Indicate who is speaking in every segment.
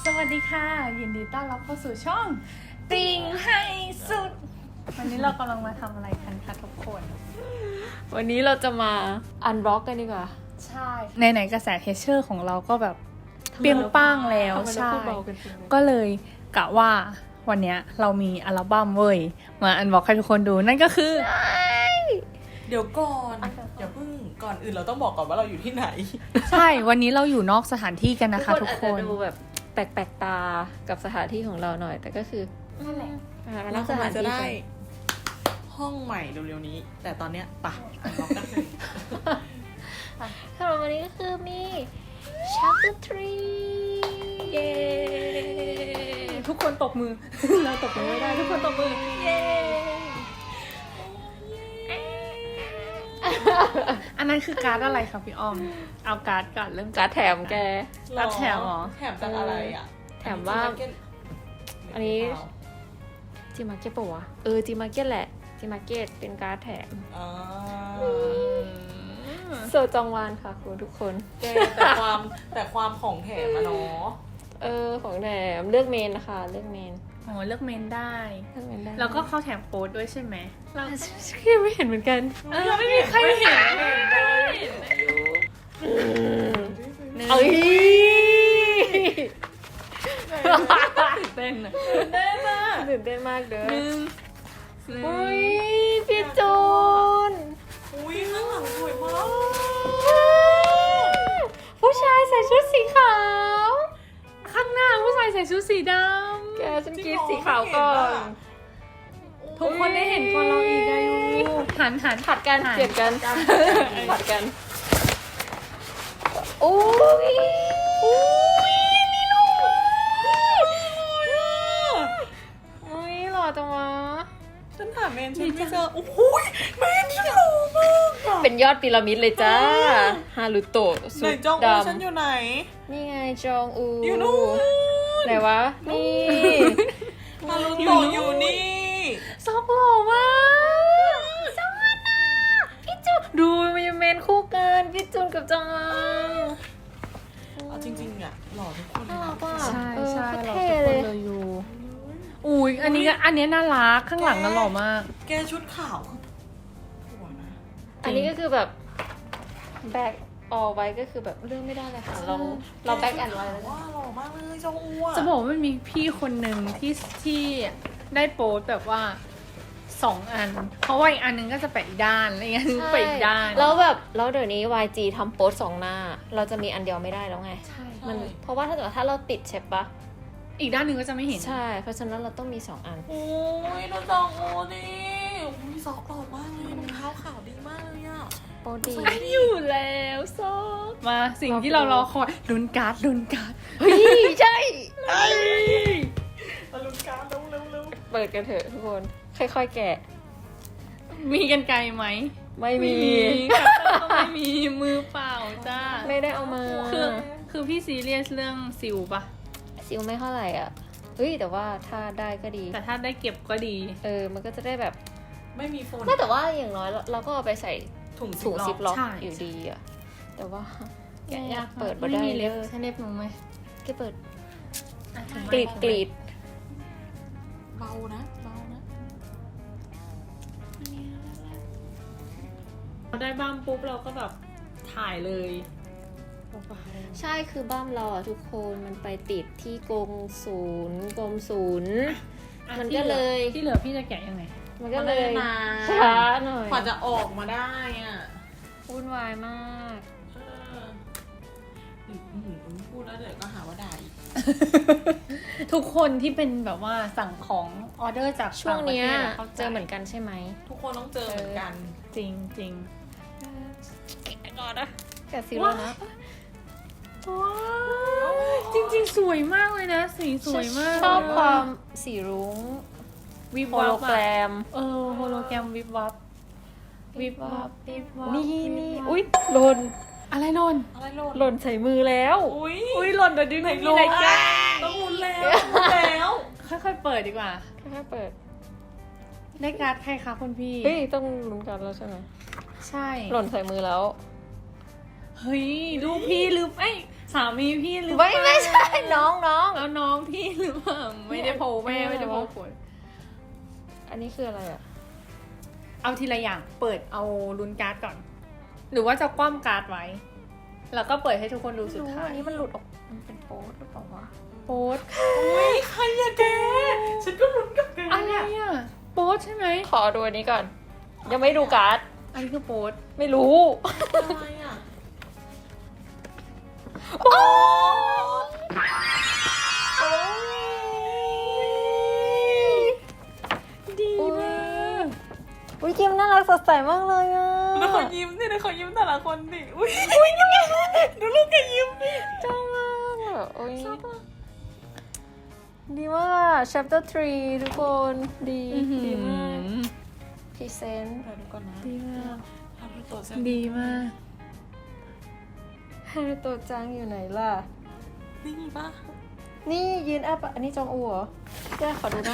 Speaker 1: สวัสดีค่ะยินดีต้อนรับเข้าสู่ช่องติงให้สุดวันนี้เรากำลังมาทำอะไรกันคะทุกคน
Speaker 2: วันนี้เราจะมาอันบล็อกกันดีกว่า
Speaker 1: ใช่ไหนๆกระแสเทเชอร์ของเราก็แบบเปรี้ยงป้างแล้วใช่ก็เลยกะว่าวันนี้เรามีอัลบั้มเว้ยมาอันบอกให้ทุกคนดูนั่นก็คือ
Speaker 3: เดี๋ยวก่อนอย่าเพิ่งก่อนอื่นเราต้องบอกก่อนว่าเราอยู่ที่ไหน
Speaker 1: ใช่วันนี้เราอยู่นอกสถานที่กันนะคะทุกคน
Speaker 2: อาจจะดูแบบแปลกๆตากับสถานที่ของเราหน่อย แต่ก็คือนั่นแหละมา
Speaker 3: เรา
Speaker 2: นั่งสถาน
Speaker 3: จะ
Speaker 2: ที่
Speaker 3: ได้
Speaker 2: กัน
Speaker 3: ห้องใหม่เร็วๆนี้ แต่ตอนเนี้ยปะล็อกกันเลย
Speaker 2: สำหรับวันนี้ก็คือมี chapter 3
Speaker 3: เย้
Speaker 1: ทุกคนตบมือ เราตบมือไม่ได้ทุกคนตบมือเย้อันนั้นคือการ์ดอะไรครับพี่อ้อมเอาการ์ดก่อนเริ่ม
Speaker 2: การดแถมแก
Speaker 1: รับแถมเหรอ
Speaker 3: แถมจากอะไรอ่ะ
Speaker 2: แถมว่า อันนี้
Speaker 3: เปล่า
Speaker 2: จีมาร์เก็ตปะวะจีมาร์เก็ตแหละจีมาร์เก็ตเป็นการดแถม
Speaker 3: อ่า
Speaker 2: โซจองวานค่ะคุณทุกคน
Speaker 3: แกแต่ความของแถมอะเนาะ
Speaker 2: ของแถมเลือกเมนนะคะเลือกเมน
Speaker 1: อ๋อเลือกเมนได้
Speaker 2: เลือกเมนได้
Speaker 1: แล้วก็เข้าแถมโค้ดด้วยใช่ไหมเรา
Speaker 2: ยังไม่เห็นเหมือนกัน
Speaker 1: ไม่มีใครเห็น
Speaker 2: เอ้ย
Speaker 1: ตื่นเต้นอะ
Speaker 2: ตื่นเต้นมากเด้อ
Speaker 1: หนึ่ง
Speaker 2: อุ้ยพี่จูน
Speaker 3: อุ้ยข้างหลังสวยมาก
Speaker 2: ผู้ชายใส่ชุดสีขาว
Speaker 1: ข้างหน้าผู้ชายใส่ชุดสีดำ
Speaker 2: แกฉันกรีดสีขาวก่อน
Speaker 1: ทุกคนได้เห็นก่อนเราอีกอายุหัน
Speaker 2: ผัดกันเปลี่ยนกันผัดกันอุ้ยนี่ลูกอุ้ยหล่อจังวะ
Speaker 3: ฉันถามเมนฉันไม่เจอโอ้โหเมนฉันหล่อมากอะ
Speaker 2: เป็นยอดพีระมิดเลยจ้าฮารุโตะ
Speaker 3: ไห
Speaker 2: สุ
Speaker 3: น
Speaker 2: ด
Speaker 3: จอง
Speaker 2: ด
Speaker 3: อูฉันอยู่ไหน
Speaker 2: ำนี่ไงจองอู
Speaker 3: อยู่นู่น
Speaker 2: ไหนวะ นี่
Speaker 3: ฮารุโตะอยู่นี่
Speaker 1: ซอกหล่อมาก
Speaker 2: จองอันน่ะพี่จูนดูมันยังเมนคู่กันพี่จูนกับจองอัน
Speaker 3: เอาจริงๆอะหล่อทุกคน
Speaker 2: น่ารักว่ะ
Speaker 1: ใช่ใช่
Speaker 2: โคตร
Speaker 1: เรา
Speaker 2: เท่
Speaker 1: ทุกค
Speaker 2: เล
Speaker 1: น
Speaker 2: ย
Speaker 1: เลยอยู่อุ้ยอันนี้น่ารักข้างหลังน่าหล่อมาก
Speaker 3: แกชุดขาวคือสวยนะ
Speaker 2: อันนี้ก็คือแบบแบกออไว้ก็คือแบบเรื่องไม่ได้เลยค่ะเราแบกแอนไว้แล้ว
Speaker 3: ว่าหล่อมากเลยจองอูอะ
Speaker 1: จะบอกว่ามันมีพี่คนหนึ่งที่ได้โพสต์แบบว่า2 อัน เพราะว่าอีกอันนึงก็จะไปอีกด้านอะไรเงี้ยนึงไปอีกด้าน
Speaker 2: แล้วแบบแล้วเดี๋ยวนี้ YG ทำโพสต์2 หน้า เราจะมีอันเดียวไม่ได้แล้วไง
Speaker 1: ใช่
Speaker 2: มันเพราะว่าถ้าเกิดถ้าเราติดใช่ปะ
Speaker 1: อีกด้านหนึ่งก็จะไม่เห็น
Speaker 2: ใช่ เพราะฉะนั้นเราต้องมี2 อัน
Speaker 3: โอ้ยดูจองอูนี่อุ้ยซอกหล่อมากเลยรองเท้าขาวดีมากเลยอะ
Speaker 2: โปรดี
Speaker 1: อยู่แล้วซอกมาสิ่งที่เรารอคอยลุ้นการ์ด
Speaker 2: เฮ้ย ใช่
Speaker 3: มาลุ้นการ์ดเร็ว
Speaker 2: เปิดกันเถอะทุกคน ค่อยๆแกะ
Speaker 1: มีกันไกลไหม
Speaker 2: ไม่มี
Speaker 1: กัตเตอร์ก็ไม่มีมือเปล่าจ้า
Speaker 2: ไม่ได้เอามา
Speaker 1: คือพี่ซีเรียสเรื่องซิลปะ
Speaker 2: ซิลไม่เท่าไหร่อ่ะ เฮ้ย แต่ว่าถ้าได้ก็ดี
Speaker 1: แต่ถ้าได้เก็บก็ดี
Speaker 2: มันก็จะได้แบบ
Speaker 3: ๆไม่มีโฟน
Speaker 2: ไม่แต่ว่าอย่างน้อยเราก็เอาไปใส่
Speaker 3: ถุง
Speaker 2: ถุงซิปล็อก
Speaker 1: ใช่
Speaker 2: อยู่ดีอ่ะ แต่ว่า
Speaker 1: แกะยาก
Speaker 2: เปิด
Speaker 1: ไม่
Speaker 2: ได้
Speaker 1: มี
Speaker 2: เล
Speaker 1: เล็
Speaker 2: ย
Speaker 1: บใช้เล็บหนูไหม
Speaker 2: แกเปิด
Speaker 1: อ่ะ
Speaker 2: กรีด
Speaker 3: เบานะเบานะ
Speaker 1: เราได้บ้ามปุ๊บเราก็แบบถ่ายเลย
Speaker 2: ใช่คือบ้ามเราอ่ะทุกคนมันไปติดที่กรมศูนย์มันก็เลย
Speaker 1: ที่เหลือพี่จะแกะยังไง
Speaker 2: มันก็เลย
Speaker 3: นาน
Speaker 2: ช้าหน่อย
Speaker 3: กว่าจะออกมาได้อ่ะ
Speaker 2: วุ่นวายมาก
Speaker 3: พูดแล้วเดี๋ยวก็หาว่าด่าอีก
Speaker 1: ทุกคนที่เป็นแบบว่าสั่งของออเดอร์จาก
Speaker 2: ช่วงเนี้ย
Speaker 1: ต่างประทศะข้าใจ
Speaker 2: เจอเหมือนกันใช่ไหม
Speaker 3: ทุกคนต้องเจอเหมือนกัน
Speaker 1: จริงจริง
Speaker 2: แกะก่อนนะแกะซิลแล้วนะ
Speaker 1: ว้าวจริงๆ สวยมากเลยนะ สีสวยมาก
Speaker 2: ชอบความสีรุ้ง
Speaker 1: วิบ
Speaker 2: โฮ
Speaker 1: วั
Speaker 2: โล
Speaker 1: บ
Speaker 2: แกร
Speaker 1: อะ
Speaker 2: ม
Speaker 1: โฮโลแกรมวิบวับวิบวับวิบวับ
Speaker 2: นี่
Speaker 1: วิบวับ
Speaker 2: อุ้ยหล่น
Speaker 1: อะไรหล่น
Speaker 3: อะไรโหลด
Speaker 2: หล่นใส่มือแล้ว
Speaker 3: อุ้ย
Speaker 1: อุ้ยหล่นเดี๋ยวดึง
Speaker 3: ไหน
Speaker 1: มี
Speaker 3: โหล
Speaker 1: อะไร
Speaker 3: ด
Speaker 1: แก้
Speaker 3: ต้องลุ้นแล้ว
Speaker 1: ค่อยๆเปิดดีกว่า
Speaker 2: ค่อยๆเปิด
Speaker 1: ได้การ์ดใครคะคุณพี่
Speaker 2: เฮ้ยต้องลุ้นกันแล้วใช่ไหม
Speaker 1: ใช่
Speaker 2: หล่นใส่มือแล้ว
Speaker 1: เฮ้ยลูกพี่หรือสามีพี่หรือ
Speaker 2: ไม่ใช่น้อง
Speaker 1: แล้วน้องพี่หรือเปล่าไม่ได้โผล่แม่ไม่ได้โผล่ผล
Speaker 2: อันนี้คืออะไรอ่ะ
Speaker 1: เอาทีละอย่างเปิดเอาลุ้นการ์ดก่อน หรือว่าจะคว่ำการ์ดไว้ แล้วก็เปิดให้ทุกคนดูสุดท้าย
Speaker 2: อันนี้มันหลุดออกมันเป็นโป๊ดหรือเปล่าวะ
Speaker 1: โป๊ด
Speaker 3: อุ้ยใครอะแกฉันก็ลุ้นกับแก
Speaker 1: อะไร
Speaker 3: เนี่ย
Speaker 1: อ่ะโป๊ดใช่ไหม
Speaker 2: ขอดูอันนี้ก่อน ยังไม่ดูการ์ด
Speaker 1: อันนี้คือโป๊ด
Speaker 2: ไม่รู้
Speaker 3: อะไรอะ
Speaker 2: โป๊ด
Speaker 1: ดีมาก
Speaker 2: อุ้ยคิมน่ารักสดใสมากเลยอ่ะ
Speaker 3: แล้วขอยิ้มสินะขอยิ้มแต่ละคนดิอุ้ยดูลูกแกยิ้มดิ
Speaker 2: จ้ามากอ่ะโอ้ยดีมาก chapter 3 ทุกคนดีมากพรีเซนต์
Speaker 3: เดี๋ยวดูก่อนนะ
Speaker 1: ดีมาก
Speaker 3: ทำให้ตัวเส้น
Speaker 1: ดีมาก
Speaker 2: ฮารุโตะจังอยู่ไหนล่ะ
Speaker 3: นี่ปะ
Speaker 2: นี่ยืนอัพอันนี้จองอูเหรอแกขอดูหน้า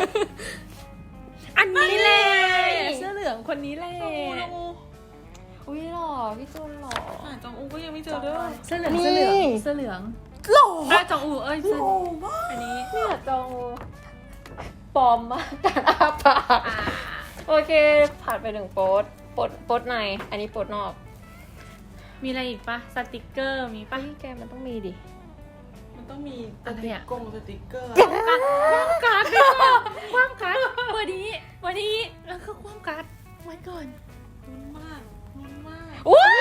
Speaker 1: อันนี้แหละเสื้อเหลืองคนนี้แหละ
Speaker 3: จองอูจองอู
Speaker 2: อุ้ยหล่อพี่จูนหล่อ
Speaker 3: หาจองอูก็ยังไม่เจอเด้อ
Speaker 1: เสื้อเหลือง
Speaker 2: นี่
Speaker 1: เสื้อเหลืองเสื้อเหลือง
Speaker 3: หล่อ
Speaker 1: จองอูเสื้อ
Speaker 3: หล่อมาก
Speaker 1: อันนี้
Speaker 2: เนี่ยจองอูปลอมมากการอ้าปากโอเค ผ่านไปหนึ่งโป๊ดใน อันนี้โป๊ดนอก
Speaker 1: มีอะไรอีกปะสติกเกอร์มีปะ
Speaker 2: เฮ้ยแกมันต้องมีดิ
Speaker 3: มันต้องมีส
Speaker 1: อะไร
Speaker 3: ติ๊ก
Speaker 1: อะ
Speaker 3: กงสติ๊กเกอร์
Speaker 1: ความการ์ดด้วยค่ะความการ์ดวันนี้แล้วก็ความการ์ดไว้ก่อน
Speaker 3: ลุ้นมากลุ้นมาก
Speaker 2: อุ้ย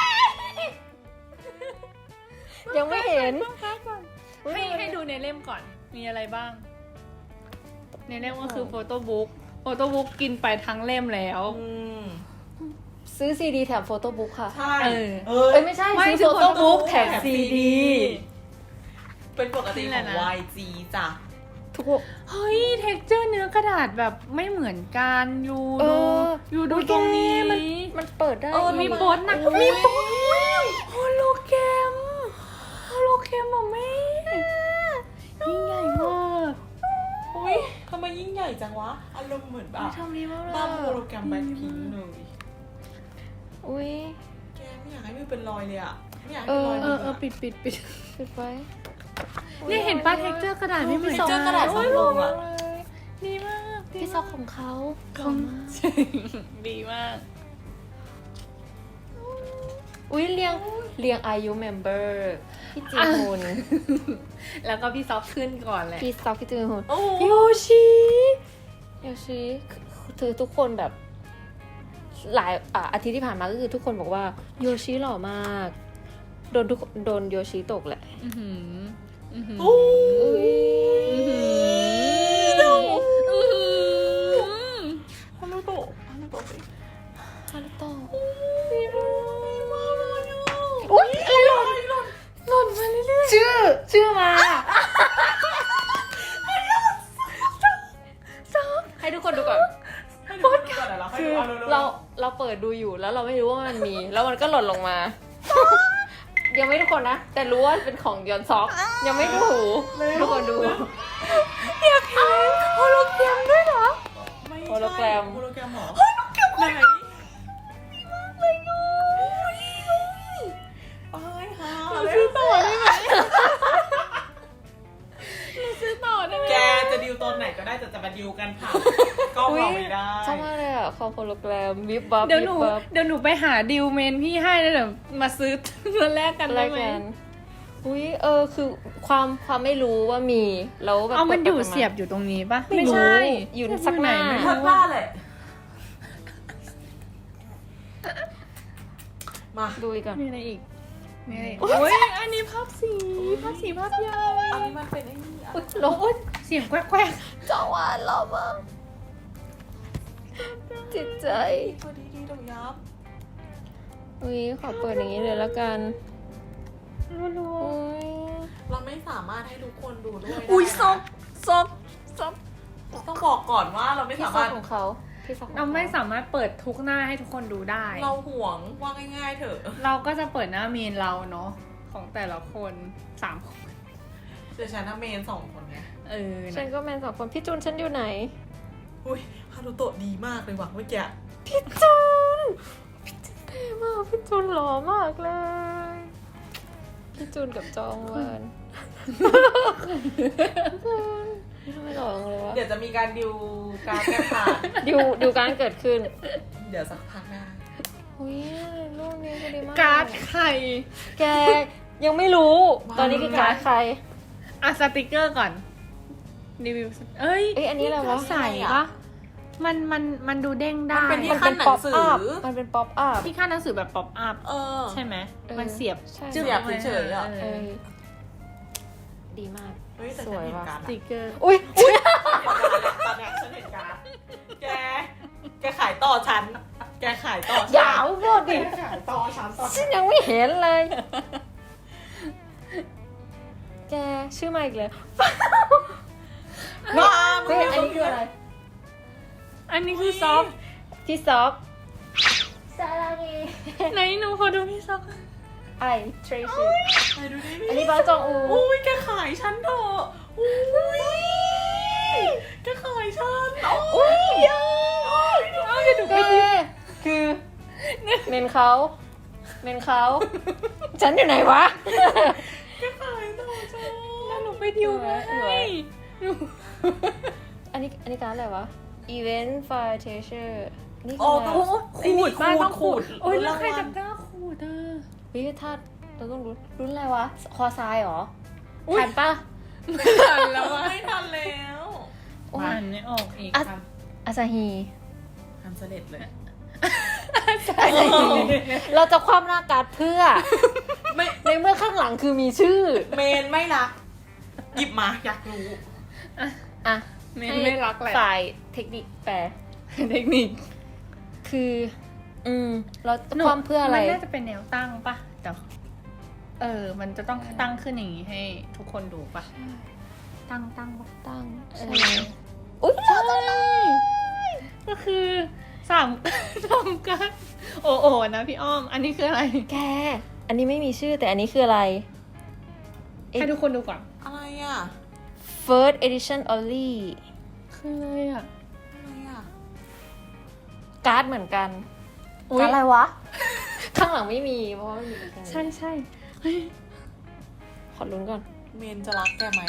Speaker 2: ยังไม่เห็น
Speaker 1: ความการ์ดก่อนให้ดูในเล่มก่อน มีอะไรบ้าง ในเล่มก็คือโฟโต้บุ๊กกินไปทั้งเล่มแล้ว
Speaker 2: ซื้อซีดีแถมโฟโต้บุ๊กค่ะ
Speaker 3: ใช่
Speaker 1: เออ
Speaker 3: เออ
Speaker 2: เอ้ยไม่ใช่
Speaker 1: ไม่
Speaker 2: ซื้อโฟโต้บุ๊ก
Speaker 1: ซื้อ
Speaker 2: แถมซีดี
Speaker 3: เป็นปกติ
Speaker 1: นี่แห
Speaker 3: ข
Speaker 1: ละ
Speaker 3: อง
Speaker 1: นะ
Speaker 3: YG จ้ะ
Speaker 2: ทุกคน
Speaker 1: เฮ้ยเท็กเจอร์เนื้อกระดาษแบบไม่เหมือนกันอยู่
Speaker 2: เอ
Speaker 1: ดู
Speaker 2: อ
Speaker 1: อยู่ดูตรงนี้
Speaker 2: มันเปิดได้
Speaker 1: มีโป๊ดนะมีโป๊ดโฮโลแกรมอ่ะแม่ยิ่งใหญ่มาก
Speaker 3: อุ้ยทำไมยิ่งใหญ่จังวะ อารมณ์เหมือนแบบ
Speaker 2: ทำดีมากเลย
Speaker 3: บ้าโฮโลแกรมแบล็คพิงค์เลย
Speaker 2: อุ้ย
Speaker 3: แกไม่อยากให้มันเป็นรอยเลยอ่ะ ไม่อยากให้เป็นรอย
Speaker 1: เอ
Speaker 3: มื
Speaker 1: อปิด
Speaker 2: ปิดไว้
Speaker 1: เนี่ยเห็นป้าเท็กเจอร์กระดาษไม่เหมือน
Speaker 3: เจ
Speaker 1: กั
Speaker 3: อน กระดาษสองลงอ่ะ
Speaker 1: ดีมาก
Speaker 2: พี่ซอกของเขา
Speaker 1: ของดีมาก
Speaker 2: อุ้ยเรียงอายุเมมเบอร์พี่จีฮุน
Speaker 1: แล้วก็พี่ซอฟขึ้นก่อนแหละ
Speaker 2: พี่ซอกพี่จีฮุน
Speaker 3: โอ้โห
Speaker 2: โยชิคือทุกคนแบบหลายอาทิตย์ที่ผ่านมาก็คือทุกคนบอกว่าโยชิหล่อมากโดนโยชิตกแหละ
Speaker 1: อื้อหืออื้อหือ
Speaker 3: อุ้
Speaker 2: อุ้ย
Speaker 1: อื้อหือ
Speaker 3: ฮารุโตะฮารุโตะสิ
Speaker 2: ฮารุโตะ
Speaker 3: อุ้
Speaker 2: อุ้
Speaker 3: ย
Speaker 2: ยอะไรหล่น
Speaker 1: หล่นมาเรื่อย
Speaker 2: ชื่อมา ให้ทุกคนดูก่อน
Speaker 3: ให้ดูก่อนเหรอ
Speaker 2: คือ
Speaker 3: ให้ดู
Speaker 2: เราเปิดดูอยู่แล้วเราไม่รู้ว่ามันมี แล้วมันก็หล่นลงมา ยังไม่ทุกคนนะ แต่รู้ว่าเป็นของยอนซอก ยังไม่ดูทุกคนดู
Speaker 1: ๆอยากเห็นโฮโลแกรมด้วยเหรอ
Speaker 3: ไม่ใช่
Speaker 2: โฮโลแกรม
Speaker 3: โฮโลแกรมเหรอโฮโลแกรมไหนไปหา
Speaker 1: เรา
Speaker 3: เลย
Speaker 1: ซื้อต่อได้ไหมเราซื้อต่อได้ไหม
Speaker 3: แกจะดิวตอนไหนก็ได้แต่จะมาดิวกันผ่านกล้องเราไม่ได้
Speaker 2: ชอบมากเลยอ่ะคอโฮโลแกรมวิบวับ
Speaker 1: เดี๋ยว
Speaker 2: วิ
Speaker 1: หนู
Speaker 2: บวับ
Speaker 1: เดี๋ยวหนูไปหาดิวเมนพี่ให้แล้วเดี๋ยวมาซื้อมาแลกกัน
Speaker 2: อะไร
Speaker 1: ได้ไหม
Speaker 2: กันอุ้ยคือความไม่รู้ว่ามีแล้วแบบ
Speaker 1: เอามันอยู่
Speaker 2: ปิดๆา
Speaker 1: เสียบอยู่ตรงนี้ปะ
Speaker 2: ไม่รู้
Speaker 1: ใช่
Speaker 2: อยู่สักหน้า
Speaker 1: ไม่
Speaker 3: ทั
Speaker 1: รู้
Speaker 3: ดบ้านเลยมา
Speaker 2: ดูอีกก่อน
Speaker 1: มีอะไรอีกมีอะไรอีกโอ้ยอันนี้ภาพสีภาพใหญ่
Speaker 3: อันนี้มันเป็นไอ้นี่อะ
Speaker 2: อุ๊ยโลด
Speaker 1: เสียงแควก
Speaker 2: จังหวะหล่อมากจิตใจ
Speaker 3: ตัวดีๆดอกยับ
Speaker 2: อุ้ยขอเปิดอย่างนี้เลยแล้วกัน
Speaker 1: รัว
Speaker 2: อุ้ย
Speaker 3: เราไม่สามารถให้ทุกคนดูด้วยได้
Speaker 1: ๆอุ้ย
Speaker 3: นะ
Speaker 1: ซบ
Speaker 3: ต้องบอกก่อนว่าเราไม่
Speaker 2: พี่
Speaker 3: สา
Speaker 2: ซอ
Speaker 3: มาก รถ
Speaker 2: ของเขาพี่ซอกของ
Speaker 1: เรา
Speaker 2: เขา
Speaker 1: ไม่สามารถเปิดทุกหน้าให้ทุกคนดูได้
Speaker 3: เราห่วงว่าง่ายๆเถอะ
Speaker 1: เราก็จะเปิดหน้าเมนเราเนาะของแต่ละคน3 คน
Speaker 3: เดี๋ยวฉันน่ะเมน2 คนไง
Speaker 1: เออ
Speaker 2: ฉัน
Speaker 1: นะ
Speaker 2: ก็แมน2 คนพี่จูนฉันอยู่ไหน
Speaker 3: อุ้ยฮารุโตะดีมากเลยว่ะเมื่อกี้
Speaker 2: พี่จูนมากพี่จูนหล่อมากเลยพี่จูนกับจองเวิร์นทำไมหล่อจังเลยวะ
Speaker 3: เดี๋ยวจะมีการดิวการแก้ผ่าน
Speaker 2: ดูการเกิดขึ้น
Speaker 3: เดี๋ยวสักพักหน้า
Speaker 2: อุ้ยรูปนี้ก็ดีมาก
Speaker 1: การ์ดไข่
Speaker 2: แกยังไม่รู้ ตอนนี้คือการ์ดใคร
Speaker 1: อ่ะสติกเกอร์ก่อนรีวิวเอ้ย
Speaker 2: เอ้ยอันนี้อะไรวะ
Speaker 1: ใส่ปะมันดูเด้งได้
Speaker 3: มันเป็นที่
Speaker 2: มัน
Speaker 3: ขั้
Speaker 2: เป็น น
Speaker 3: หนั
Speaker 2: ป๊อง ป
Speaker 3: สื
Speaker 2: อัพ
Speaker 3: อ
Speaker 2: มันเป็นป๊อปอัพ
Speaker 1: ที่ค่าหนังสือแบบป๊อปอัพ
Speaker 3: เออ
Speaker 1: ใช่ไหม
Speaker 2: เออ
Speaker 1: มันเสียบ
Speaker 2: ใช่
Speaker 3: เสียบเฉยๆอะ
Speaker 1: เอ
Speaker 2: เอ
Speaker 1: อ
Speaker 2: อดีมาก
Speaker 3: เฮ้ยแต่
Speaker 2: ส
Speaker 3: ฉัน
Speaker 2: วย
Speaker 3: เห็น
Speaker 2: ว่ะ
Speaker 3: การ์ด
Speaker 1: สติกเกอร์
Speaker 2: อุ้ย
Speaker 3: ตอนเนี้ยฉันเห็นการ์ดแกขายต่อฉัน แกขายต่อฉัน
Speaker 2: อย่าพูดดิ
Speaker 3: แกขายต่อฉันต่อ
Speaker 2: ฉันยังไม่เห็นเลย แกชื่อมาอีกเลย
Speaker 3: ว้า
Speaker 2: เฮ้ยอันนี้คืออะไร
Speaker 1: อันนี้คือซอฟต์
Speaker 2: พี่ซอฟซาลางี
Speaker 1: ไหนหนูขอดูพี่ซอฟต์
Speaker 2: ไอทรีซี่
Speaker 3: ไปดูดิ
Speaker 2: อันนี้บ้าจองอู
Speaker 3: อุ้ยแกขายฉันเถอะอุ้ยแกขายฉันโอ้ย
Speaker 2: เอาจะดูไปดิคือเมนเขาฉันอยู่ไหนวะ
Speaker 3: แกขายต่อฉัน
Speaker 1: แล้วหนูไปดิวมา
Speaker 2: สวย
Speaker 1: ให้
Speaker 2: อันนี้การอะไรวะ Event Fire Teacher นี่คื
Speaker 3: โอ้
Speaker 2: ออะไร
Speaker 3: โห
Speaker 2: อะ
Speaker 3: ขูด
Speaker 1: โอ้ยแล้วใคร
Speaker 3: วั
Speaker 1: จะ
Speaker 3: ล
Speaker 1: กล้าขูดอ่ะ
Speaker 2: เฮ้ยถ้าเราต้องรุ่นอะไรวะ คอทรายเหรอทันปะ
Speaker 1: ไม่ทันแล้วอ่ะ
Speaker 3: ไม่ทันแล้ว
Speaker 2: โอ้ย
Speaker 1: อ่านไม่ออกอีก
Speaker 2: อ่ะ
Speaker 1: ครับ
Speaker 2: อาซาฮี
Speaker 3: ทำเสด็จเลย
Speaker 2: เราจะคว่ำหน้าการ์ดเพื่อ
Speaker 3: ไม่
Speaker 2: ในเมื่อข้างหลังคือมีชื่อ
Speaker 3: เมนไม่รัก หยิบมาอยากรู้
Speaker 2: อ่ะ
Speaker 1: ไม่รักแหละ
Speaker 2: ฝ่ายเทคนิคแปล
Speaker 1: เทคนิค
Speaker 2: คือ เราจะคว่ำเพื่ออะไร
Speaker 1: มันน่าจะเป็นแนวตั้งปะแต่มันจะต้องตั้งขึ้นอย่างนี้ให้ทุกคนดูปะตั้งปะ
Speaker 2: ตั้ง
Speaker 1: ใช่
Speaker 2: อุ้ย
Speaker 1: ใช่ก็คือสาม ทำกันโอ้โอนะพี่อ้อม อันนี้คืออะไร
Speaker 2: แก อันนี้ไม่มีชื่อแต่อันนี้คืออะไร
Speaker 1: ให้ทุกคนดูก่อน
Speaker 3: อะไรอ่ะ
Speaker 2: First Edition Only
Speaker 1: คืออะไรอ่ะ
Speaker 3: อะไรอ่ะ
Speaker 2: การ์ดเหมือนกัน
Speaker 1: อุ๊ย
Speaker 2: การ์ดอะไรวะ ข้างหลังไม่มีเพราะว่าไม่มีข้างหลัง
Speaker 1: ใช่เฮ้ย
Speaker 2: ขอลุ้นก่อน
Speaker 3: เมนจะรักแกไหม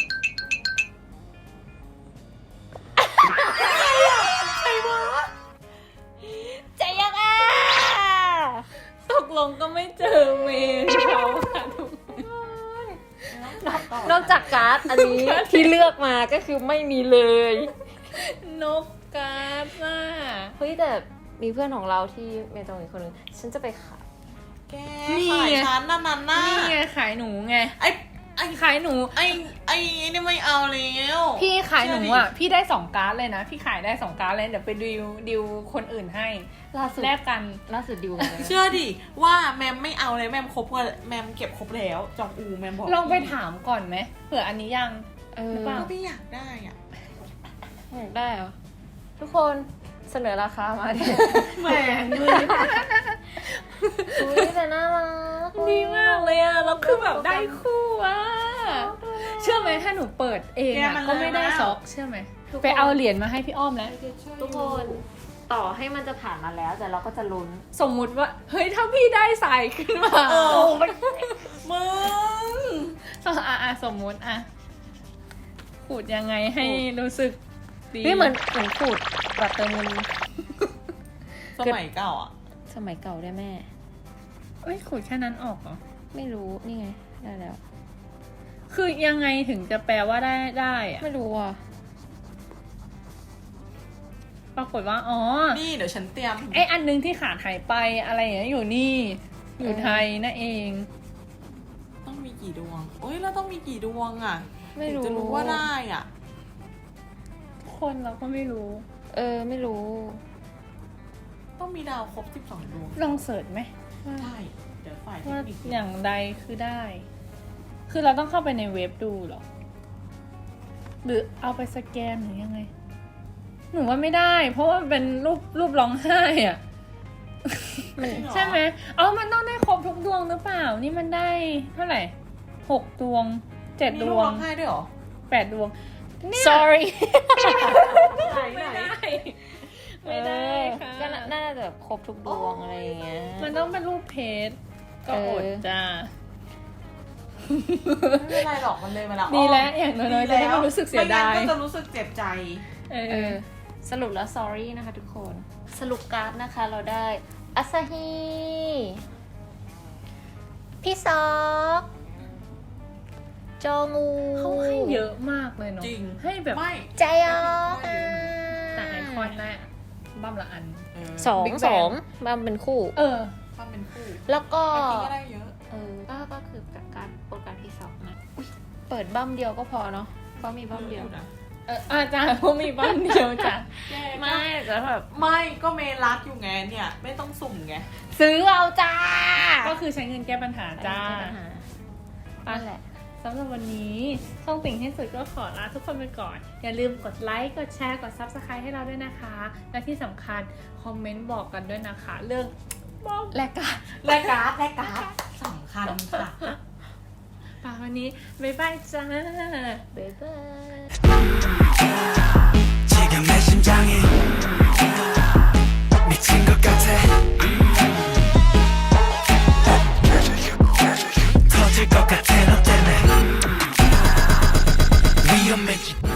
Speaker 3: ใครวะ
Speaker 2: ใจยังอ่ะ
Speaker 1: ตกลงก็ไม่เจอเมนเขาค่ะทุกคน
Speaker 2: นอกจากการ์ดอันนี้ที่เลือกมาก็คือไม่มีเลย
Speaker 1: นกการ์ดน่ะ
Speaker 2: เฮ้ยแต่มีเพื่อนของเราที่เมจงอีกคนนึงฉันจะไปขาย
Speaker 3: แกขายฉันนั่นน่ะ
Speaker 1: นี่ไงขายหนูไง
Speaker 3: ไอ้
Speaker 1: ขายหนู
Speaker 3: ไอ้นี่ไม่เอาแล้ว
Speaker 1: พี่ขายหนูอ่ะ พี่ได้2การ์ดเลยนะ พี่ขายได้2การ์ดเลย เดี๋ยวไปดิวคนอื่นให้
Speaker 2: ล่าสุด
Speaker 1: แลกกัน
Speaker 2: ดิวกันเลย
Speaker 3: เชื่อดิว่าแมมไม่เอาเลยแมมครบว่าแมมเก็บครบแล้ว จองอูแมมบอก
Speaker 1: ลองไปถามก่อนไหมเผื่ออันนี้ยัง
Speaker 2: เออ
Speaker 1: หรือเปล่า
Speaker 3: ก็ไม่อยากได้อ่ะ
Speaker 2: อยากได้เหรอ ทุกคนเสนอราคามาดิ
Speaker 1: แหมมือ
Speaker 2: อุ้ยแต่น่ารัก
Speaker 1: ดีมากเลยอ่ะ เราคือแบบได้คู่อ่ะ เชื่อไหมถ้าหนูเปิดเอง
Speaker 3: แก
Speaker 1: อ่ะ
Speaker 3: มัน
Speaker 1: ก็ไม่ได้
Speaker 3: เลยนะ
Speaker 1: ซ็อกเชื่อไหมไปเอาเหรียญมาให้พี่อ้อมแล้ว
Speaker 2: ทุกคนต่อให้มันจะผ่านมาแล้วแต่เราก็จะลุ้น
Speaker 1: สมมุติว่า เฮ้ย ถ้าพี่ได้ใส่ขึ้นมา
Speaker 3: เออมึง
Speaker 1: สมมุติอ่ะขูดยังไงให้รู้สึกดี
Speaker 2: นี่เหมือนขูดแบบเติมเงิน
Speaker 3: สมัยเก่าอ่ะ
Speaker 2: สมัยเก่าได้แม่
Speaker 1: เอ้ยขูดแค่นั้นออกเหรอ
Speaker 2: ไม่รู้นี่ไงได้แล้ว
Speaker 1: คือยังไงถึงจะแปลว่าได้อะ
Speaker 2: ไม่รู้อ่ะ
Speaker 1: ปรากฏว่า อ๋อ
Speaker 3: นี่เดี๋ยวฉันเตรียม
Speaker 1: ไออันนึงที่ขาดหายไปอะไรอย่างเงี้ยอยู่นี่ อยู่ไทยนั่นเอง
Speaker 3: ต้องมีกี่ดวงโอ้ยแล้วต้องมีกี่ดวงอ่ะ
Speaker 2: ไม่รู้
Speaker 3: ถึงจะรู้ว่าได้อ่ะ
Speaker 1: คนเราก็ไม่รู้
Speaker 2: ไม่รู้
Speaker 3: ต้องมีดาวครบ12ดวง
Speaker 1: ลองเสิร์ชไหม
Speaker 3: ได้เดี๋ยวฝ่ายเท
Speaker 1: ว่า
Speaker 3: คนิค
Speaker 1: อย่างใดคือได้ คือเราต้องเข้าไปในเว็บดูเหรอ หรือเอาไปสแกนหรือยังไง หนูว่าไม่ได้ เพราะว่าเป็นรูปร้องไห้อะ ใช่ไหมมันต้องได้ครบทุกดวงหรือเปล่า นี่มันได้เท่าไหร่6 ดวง 7
Speaker 3: มี
Speaker 1: ด
Speaker 3: ลูก
Speaker 1: ว
Speaker 3: ร้
Speaker 1: ง
Speaker 3: องไห้ด้วยเหรอ
Speaker 1: 8 ดวง
Speaker 2: sorry
Speaker 1: ไม่ได้ไม่ได้ค่ะ
Speaker 2: ก็น่าจะแบบครบทุกดวงอะไรอย่างเงี้ย
Speaker 1: มันต้องเป็นรูปเพจก็อดจ้า
Speaker 3: ไม่เป็นไรหรอกมันเลยมาแล้ว
Speaker 1: ดีแล้วอย่างน้อยๆจะได้ไม่รู้สึกเสียดาย
Speaker 3: ไม่งั้นก็จะรู้สึกเจ็บใจ
Speaker 2: สรุปแล้ว sorry นะคะทุกคน สรุปการ์ดนะคะเราได้อาซาฮีพี่ซอกจองู
Speaker 1: เขาให้เยอะมากเลยเนาะ
Speaker 3: จริง
Speaker 1: ให้แบบ
Speaker 3: ไม่
Speaker 2: ใจยอ
Speaker 1: แต่ไอคอนแรกบั้มละอัน
Speaker 2: สอง
Speaker 1: Big Bang
Speaker 2: สองมันเป็นคู่
Speaker 3: ความเป็นคู่
Speaker 2: แล้วก็
Speaker 3: บางทีก็ได้เยอะ
Speaker 2: ก็คือการโปรการที่สองนะอุ๊ยเปิดบั้มเดียวก็พอเนาะเพราะมีบั้มเดียว
Speaker 3: นะ
Speaker 1: อาจารย์เขามีบ้านเดียวจ้ะ
Speaker 2: ไม่แต่แบบ
Speaker 3: ไม่ก็เมรักอยู่ไงเนี่ย ไม่ต้องสุ่มไง
Speaker 2: ซื้อเอาจ้า
Speaker 1: ก็คือใช้เงินแก้ปัญหาจ้า
Speaker 2: นั่นแหละ
Speaker 1: สำหรับวันนี้ช่องติ่งที่สุดก็ขอลาทุกคนไปก่อน อย่าลืมกดไลค์ กดแชร์ กด Subscribe ให้เราด้วยนะคะ และที่สำคัญคอมเมนต์บอกกันด้วยนะคะ เรื่องบอกแลกการ์ด
Speaker 3: แลกการ์ดสำคัญค่ะ
Speaker 1: ป่าวันนี้บ๊ายบายจ้า
Speaker 2: บ๊ายบาย
Speaker 4: 지금 내 심장이 미친 것 같아 터질 것 같아 너 때문에 위험해지